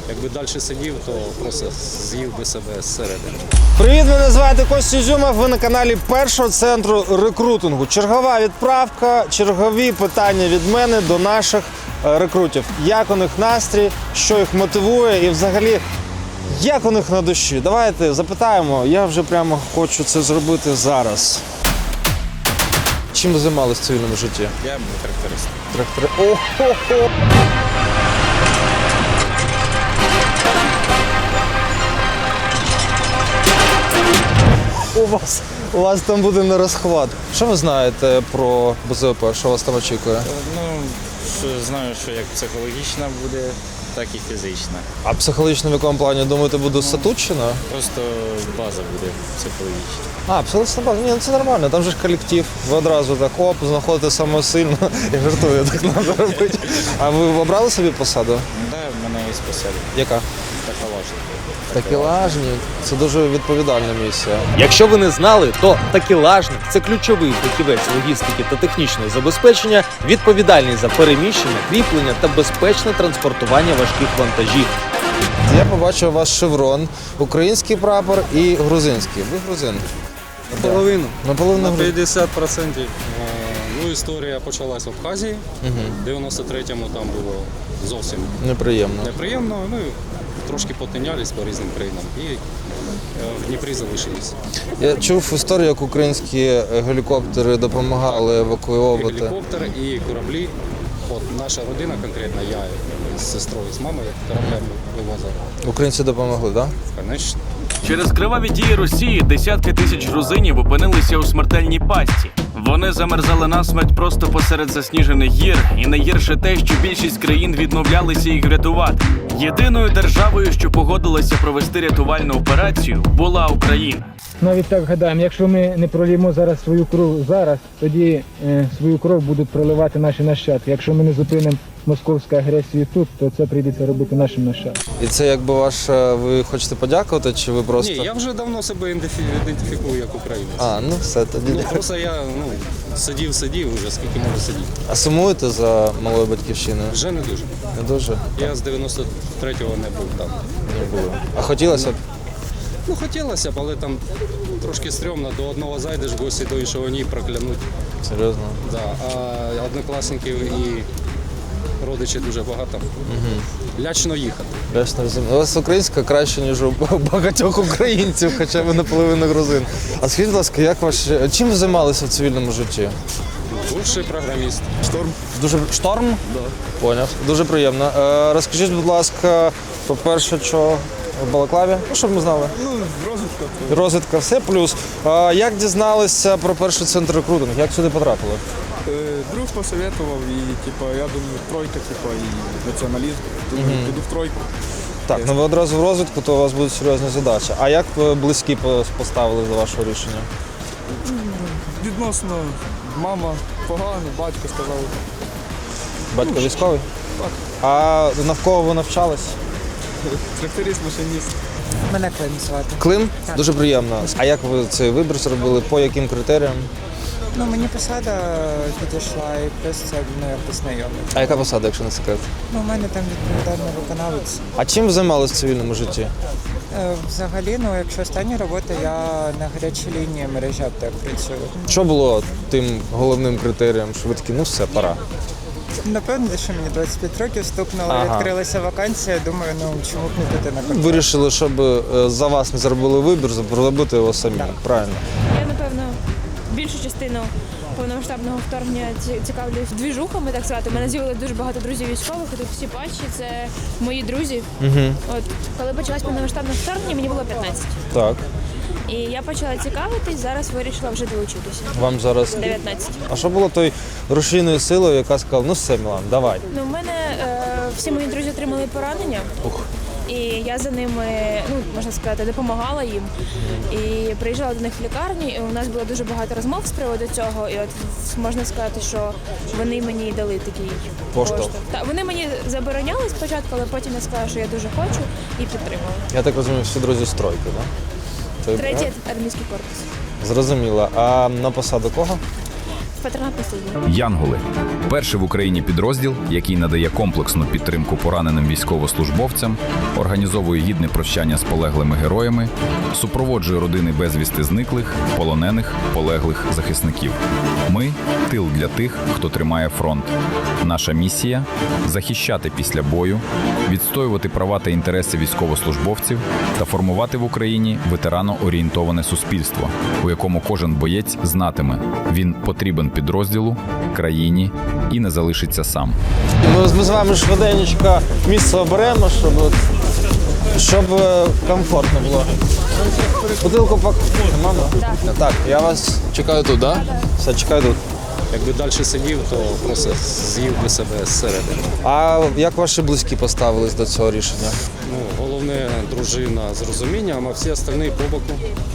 Якби далі сидів, то просто з'їв би себе зсередини. Привіт, мене звати Костя Ізюмов, ви на каналі першого центру рекрутингу. Чергова відправка, чергові питання від мене до наших рекрутів. Як у них настрій, що їх мотивує і взагалі, як у них на душі? Давайте запитаємо, я вже прямо хочу це зробити зараз. Чим ви займалися в цивільному житті? Я тракторист. Трактори. У вас там буде на розхват. Що ви знаєте про БЗВП? Що вас там очікує? Знаю, що як психологічна буде, так і фізична. А психологічно в якому плані, думаєте, буде Сатуччина? Просто база буде психологічна. А, психологічна база? Ні, ну це нормально, там же ж колектив. Ви одразу так, знаходите самого сильного і жартую, так треба робити. А ви обрали собі посаду? Так, в мене є посада. Яка? Такелажник. Такелажник. Це дуже відповідальна місія. Якщо ви не знали, то такелажник – це ключовий фахівець логістики та технічного забезпечення, відповідальний за переміщення, кріплення та безпечне транспортування важких вантажів. Я побачив ваш шеврон, український прапор і грузинський. Ви грузин? Наполовину. Наполовину На грузин. 50%. Ну, історія почалась в Абхазії. В 93-му там було зовсім Неприємно. неприємно. Ну, трошки потинялись по різним країнам і в Дніпрі залишились. Я чув історію, як українські гелікоптери допомагали евакуювати. І гелікоптер, і кораблі. От наша родина конкретно, я з сестрою, з мамою кораблем вивозили. Українці допомогли, так? Звісно. Через криваві дії Росії десятки тисяч грузинів опинилися у смертельній пастці. Вони замерзали насмерть просто посеред засніжених гір, і найгірше те, що більшість країн відмовлялися їх врятувати. Єдиною державою, що погодилася провести рятувальну операцію, була Україна. Навіть так гадаємо, якщо ми не проліємо зараз свою кров зараз, тоді свою кров будуть проливати наші нащадки. Якщо ми не зупинимо московську агресію тут, то це прийдеться робити нашим нащадкам. І це якби ви хочете подякувати, чи ви просто... Ні, я вже давно себе ідентифікую як українець. А, ну все, тоді. Ну, просто я сидів вже, скільки можу сидіти. А сумуєте за малою батьківщиною? Вже не дуже. Не дуже? Я з 93-го не був там. Не було. А хотілося б? Ну, хотілося б, але там трошки стрьомно. До одного зайдеш в гості, до іншого ні, проклянуть. Серйозно? Да. А однокласників і родичів дуже багато. Лячно їхати. Ясно, розумію. У вас українська краще, ніж у багатьох українців, хоча ви наполовину грузин. А скажіть, будь ласка, чим ви займалися в цивільному житті? Бувший програміст. Шторм? Да. Поняв. Дуже приємно. Розкажіть, будь ласка, по-перше, що в Балаклаві? Ну, щоб ми знали. Розвитка. Розвідка, все плюс. Як дізналися про перший центр рекрутингу? Як сюди потрапили? Друг посоветував і я думаю, тройка, і націоналізм. Думаю, піду в тройку. Так, ну ви одразу в розвідку, то у вас будуть серйозні задачі. А як ви близькі поставились до вашого рішення? Відносно мама погано, батько сказав. Батько військовий? Так. А навколо ви навчались? Тракторист, машиніст. Мене Клим звати. Клим? Дуже приємно. А як ви цей вибір зробили? По яким критеріям? Ну, мені посада підійшла і плюс це якби знайомий. А яка посада, якщо не секрет? Ну, у мене там відповідальний виконавець. А чим ви займалися в цивільному житті? Взагалі, якщо остання робота, я на гарячій лінії мережі аптек працюю. Що було тим головним критерієм, що ви такі, ну все, пора? Напевно, що мені 25 років стукнуло, відкрилася вакансія, думаю, чому б не піти на контракт. Вирішили, щоб за вас не зробили вибір, зробити його самі. Так. Правильно. Я, напевно, більшу частину повномасштабного вторгнення цікавлюсь двіжухами, так сказати. У мене з'явилося дуже багато друзів військових, і тут всі патчі, це мої друзі. От, коли почалось повномасштабне вторгнення, мені було 15. Так. І я почала цікавитись, зараз вирішила вже долучитися. Вам зараз 19. А що було той рушійною силою, яка сказала, ну все, Мілан, давай. Ну, в мене всі мої друзі отримали поранення. І я за ними, можна сказати, допомагала їм. І приїжджала до них в лікарню, і у нас було дуже багато розмов з приводу цього. І от можна сказати, що вони мені дали такий Поштовх. Так, вони мені забороняли спочатку, але потім я сказала, що я дуже хочу, і підтримала. Я так розумію, всі друзі з тройки, так? Третій армійський корпус. Зрозуміло. А на посаду кого? В патронатна служба. Янголи – перший в Україні підрозділ, який надає комплексну підтримку пораненим військовослужбовцям, організовує гідне прощання з полеглими героями, супроводжує родини безвісти зниклих, полонених, полеглих захисників. Ми – тил для тих, хто тримає фронт. Наша місія – захищати після бою, відстоювати права та інтереси військовослужбовців та формувати в Україні ветерано-орієнтоване суспільство, у якому кожен боєць знатиме – він потрібен підрозділу, країні і не залишиться сам. Ми з вами швиденько місце оберемо, щоб комфортно було. Бутилку мама? Так, я вас чекаю тут, так? Все, чекаю тут. Якби далі сидів, то просто з'їв би себе зсередини. А як ваші близькі поставились до цього рішення? Ну, головне, дружина з розумінням, а всі остальні по боку.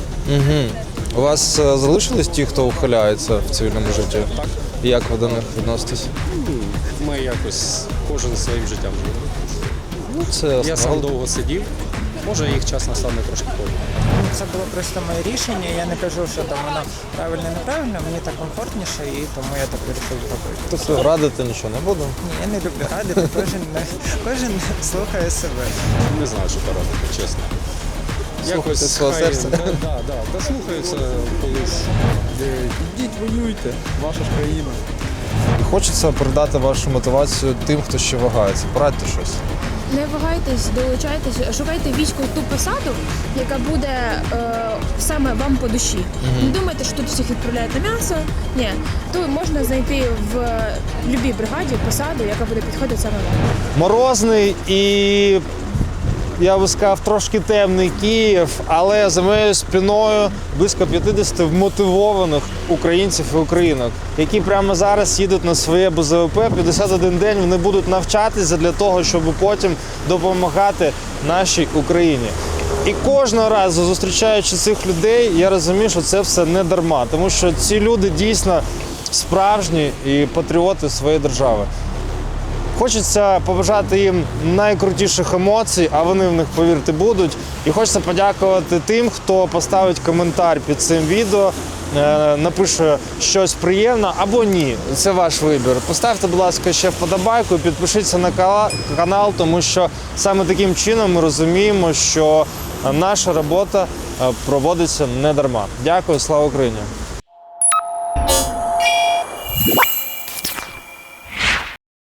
У вас залишились ті, хто ухиляється в цивільному житті? Так. І як ви до них відноситесь? Ми якось кожен своїм життям живемо. Ну, це Я сам довго сидів, може їх час настане трошки позже. Це було просто моє рішення. Я не кажу, що там воно правильно, неправильно, мені так комфортніше і тому я так вирішив зробити. Тобто радити нічого не буду? Ні, я не люблю радити, кожен слухає себе. Не знаю, що порадити, чесно. Слухайте свого серця. Дослухаються колись. Ідіть, воюйте, ваша ж країна. Хочеться передати вашу мотивацію тим, хто ще вагається. Порадьте щось. Не вагайтесь, долучайтесь, шукайте військову ту посаду, яка буде саме вам по душі. Не думайте, що тут всіх відправляють на м'ясо. Ні, тут можна знайти в будь-якій бригаді посаду, яка буде підходити саме вам. Морозний і, я би сказав, трошки темний Київ, але за моєю спиною близько 50 вмотивованих українців і українок, які прямо зараз їдуть на своє БЗВП. 51 день вони будуть навчатися для того, щоб потім допомагати нашій Україні. І кожного разу, зустрічаючи цих людей, я розумію, що це все не дарма, тому що ці люди дійсно справжні і патріоти своєї держави. Хочеться побажати їм найкрутіших емоцій, а вони в них, повірте, будуть. І хочеться подякувати тим, хто поставить коментар під цим відео, напише щось приємне або ні. Це ваш вибір. Поставте, будь ласка, ще вподобайку, підпишіться на канал, тому що саме таким чином ми розуміємо, що наша робота проводиться не дарма. Дякую, слава Україні!